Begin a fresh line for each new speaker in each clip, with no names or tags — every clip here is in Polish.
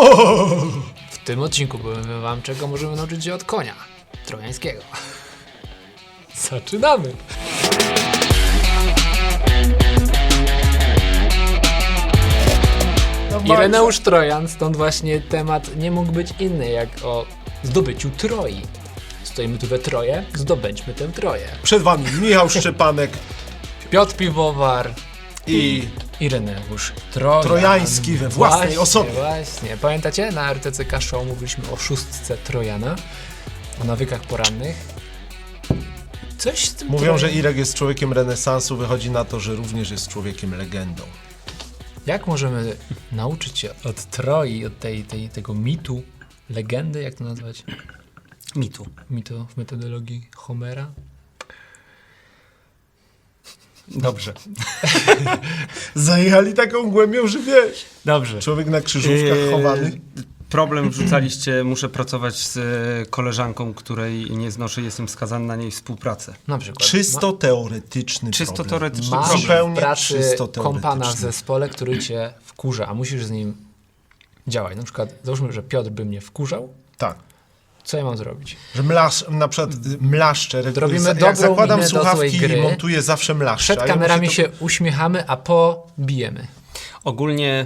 W tym odcinku powiem wam, czego możemy nauczyć się od konia trojańskiego. Zaczynamy! Ireneusz Trojan, stąd właśnie temat nie mógł być inny jak o zdobyciu Troi. Stoimy tu we troje, zdobędźmy tę Troję.
Przed wami Michał Szczepanek
Piotr Piwowar
i
Ireneusz Trojan.
Trojański we własnej osobie.
Właśnie. Pamiętacie? Na RTCK Show mówiliśmy o szóstce Trojana, o nawykach porannych. Coś z tym
Mówią, że Irek jest człowiekiem renesansu, wychodzi na to, że również jest człowiekiem legendą.
Jak możemy nauczyć się od Troi, od tego mitu, legendy, jak to nazwać? Mitu w metodologii Homera?
Dobrze.
Zajechali taką głębią, że wiesz.
Dobrze.
Człowiek na krzyżówkach chowany.
Problem wrzucaliście, muszę pracować z koleżanką, której nie znoszę, jestem skazany na niej współpracę.
Na przykład.
Czysto teoretyczny
Czysto
problem.
teoretyczny
Masz
problem.
Zupełnie
w pracy
czysto
kompana w
teoretyczny.
zespole, który cię wkurza, a musisz z nim działać. Na przykład, załóżmy, że Piotr by mnie wkurzał.
Tak.
Co ja mam zrobić?
Że na przykład mlaszczę.
Robimy
jak
dobrą
zakładam
minę do
słuchawki
złej gry.
i montuję zawsze mlaszcze.
Przed kamerami się uśmiechamy, a po bijemy.
Ogólnie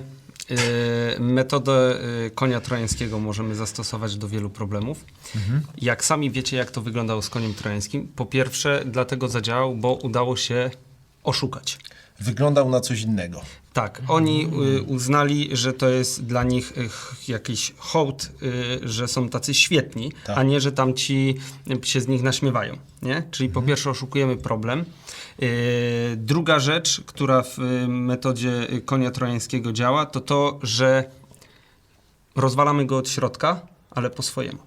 metodę konia trojańskiego możemy zastosować do wielu problemów. Jak sami wiecie, jak to wyglądało z koniem trojańskim, po pierwsze dlatego zadziałał, bo udało się oszukać.
Wyglądał na coś innego.
Tak, oni uznali, że to jest dla nich jakiś hołd, że są tacy świetni,
Tak.
a nie, że tamci się z nich naśmiewają. Nie? Czyli po pierwsze oszukujemy problem. Druga rzecz, która w metodzie konia trojańskiego działa, to to, że rozwalamy go od środka, ale po swojemu.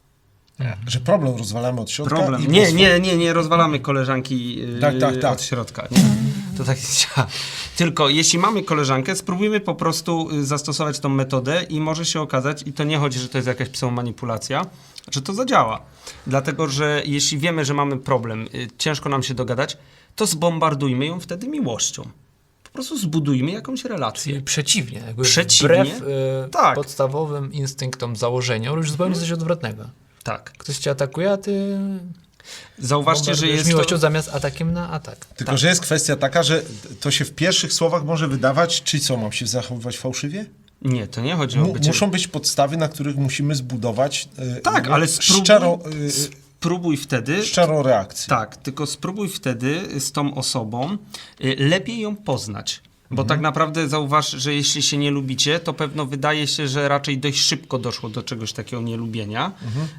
Że problem rozwalamy od środka.
Problem.
I
Nie rozwalamy koleżanki
Tak.
od środka. Nie. To tak działa. Tylko jeśli mamy koleżankę, spróbujmy po prostu zastosować tą metodę i może się okazać, i to nie chodzi, że to jest jakaś pseudomanipulacja, że to zadziała. Dlatego, że jeśli wiemy, że mamy problem, ciężko nam się dogadać, to zbombardujmy ją wtedy miłością. Po prostu zbudujmy jakąś relację.
Czyli przeciwnie. Jakby
Przeciwnie?
Wbrew
Tak.
podstawowym instynktom, założeniom, robisz zupełnie coś odwrotnego.
Tak.
Ktoś cię atakuje, a ty
Zauważcie, że
bombardujesz
jest
miłością
to...
zamiast atakiem na atak.
Tylko, że jest kwestia taka, że to się w pierwszych słowach może wydawać, czy co, mam się zachowywać fałszywie?
Nie, to nie chodzi o bycie...
Muszą być podstawy, na których musimy zbudować
Tak, ale spróbuj wtedy...
szczerą reakcję.
Tak, tylko spróbuj wtedy z tą osobą lepiej ją poznać. Bo tak naprawdę zauważ, że jeśli się nie lubicie, to pewno wydaje się, że raczej dość szybko doszło do czegoś takiego nielubienia.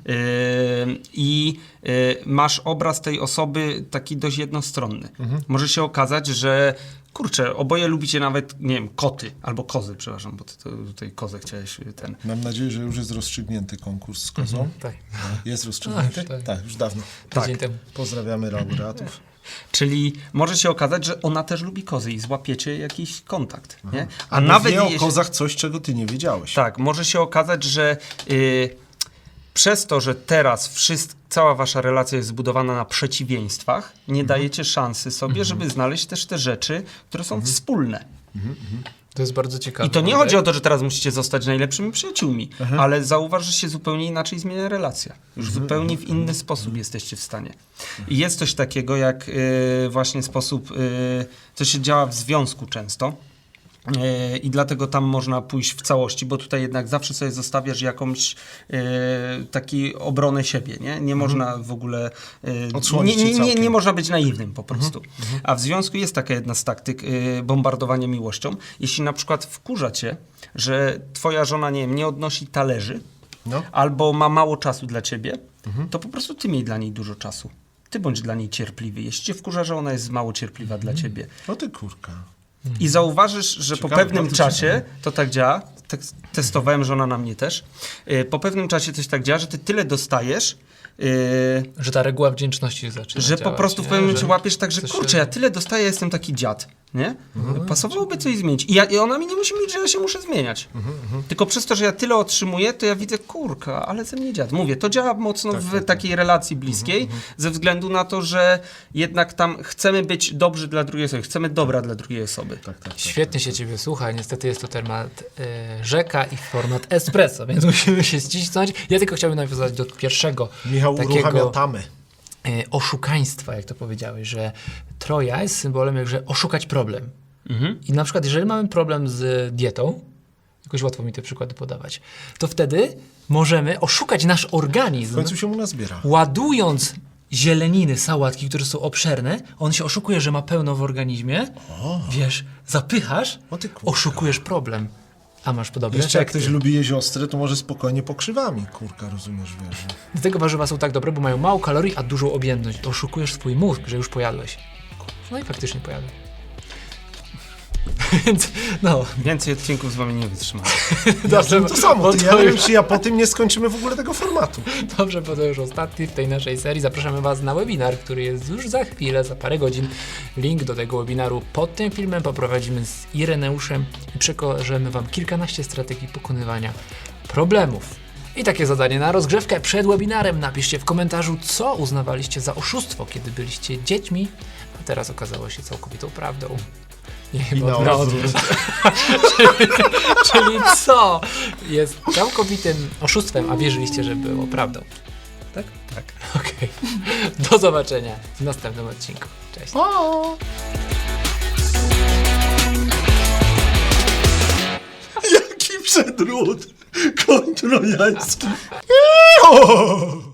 Masz obraz tej osoby taki dość jednostronny. Może się okazać, że kurczę, oboje lubicie nawet, nie wiem, koty albo kozy, przepraszam, bo ty tutaj kozę chciałeś ten.
Mam nadzieję, że już jest rozstrzygnięty konkurs z kozą.
Tak.
Jest rozstrzygnięty?
Tak.
Tak, już dawno.
Tydzień temu.
Pozdrawiamy laureatów.
Czyli może się okazać, że ona też lubi kozy i złapiecie jakiś kontakt. Nie?
A nawet wie o kozach coś, czego ty nie wiedziałeś.
Tak, może się okazać, że przez to, że teraz cała wasza relacja jest zbudowana na przeciwieństwach, nie dajecie szansy sobie, żeby znaleźć też te rzeczy, które są wspólne.
To jest bardzo ciekawe.
I to nie chodzi o to, że teraz musicie zostać najlepszymi przyjaciółmi, ale zauważ, że się zupełnie inaczej zmienia relacja. Już zupełnie w inny sposób jesteście w stanie. I jest coś takiego jak właśnie sposób, co się działa w związku często. I dlatego tam można pójść w całości, bo tutaj jednak zawsze sobie zostawiasz jakąś taki obronę siebie, nie można w ogóle nie można być naiwnym po prostu. A w związku jest taka jedna z taktyk bombardowania miłością. Jeśli na przykład wkurza cię, że twoja żona nie odnosi talerzy albo ma mało czasu dla ciebie, to po prostu ty miej dla niej dużo czasu. Ty bądź dla niej cierpliwy. Jeśli cię wkurza, że ona jest mało cierpliwa dla ciebie.
No ty kurka.
I zauważysz, że
Ciekawe,
po pewnym
bardzo
czasie
ciekawe.
to tak działa, testowałem, żona na mnie też, po pewnym czasie coś tak działa, że ty tyle dostajesz,
Że ta reguła wdzięczności zaczyna
że po
działać,
prostu w
nie?
pewnym momencie
Że
łapiesz tak, że
coś
kurczę,
się-
ja tyle dostaję, jestem taki dziad, nie? Pasowałoby coś zmienić. I ona mi nie musi mówić, że ja się muszę zmieniać. Tylko przez to, że ja tyle otrzymuję, to ja widzę, kurka, ale ze mnie dziad. Mówię, to działa mocno w takiej relacji bliskiej, ze względu na to, że jednak tam chcemy być dobrzy dla drugiej osoby, chcemy dobra dla drugiej osoby.
Tak.
Świetnie się ciebie słucha, niestety jest to temat rzeka i format espresso, więc musimy się ścisnąć. Ja tylko chciałbym nawiązać do pierwszego
Michał uruchamia
takiego
tamy.
oszukaństwa, jak to powiedziałeś, że Troja jest symbolem jakże oszukać problem. I na przykład, jeżeli mamy problem z dietą, jakoś łatwo mi te przykłady podawać, to wtedy możemy oszukać nasz
W
organizm,
końcu się u nas zbiera.
ładując zieleniny, sałatki, które są obszerne, on się oszukuje, że ma pełno w organizmie, wiesz, zapychasz,
O ty kurka.
oszukujesz problem, a masz podobne
Jeszcze jak
efekty.
ktoś lubi jeść ostre, to może spokojnie pokrzywami, kurka, rozumiesz, wiesz. że-
Dlatego warzywa są tak dobre, bo mają mało kalorii, a dużą objętość. To oszukujesz swój mózg, że już pojadłeś. No i faktycznie pojadłem. Więc no,
Więcej odcinków z wami nie wytrzymam.
dobrze,
To samo,
bo
ty,
to
ja nie wiem,
już,
czy ja po tym nie skończymy w ogóle tego formatu.
dobrze, bo to już ostatni w tej naszej serii. Zapraszamy Was na webinar, który jest już za chwilę, za parę godzin. Link do tego webinaru pod tym filmem poprowadzimy z Ireneuszem i przekażemy Wam kilkanaście strategii pokonywania problemów. I takie zadanie na rozgrzewkę przed webinarem. Napiszcie w komentarzu, co uznawaliście za oszustwo, kiedy byliście dziećmi, a teraz okazało się całkowitą prawdą. Nie,
I na
odwrót. Czyli co jest całkowitym oszustwem, a wierzyliście, że było prawdą. Tak? Tak. Okej. Do zobaczenia w następnym odcinku. Cześć.
Jaki przedród! Koń trojański!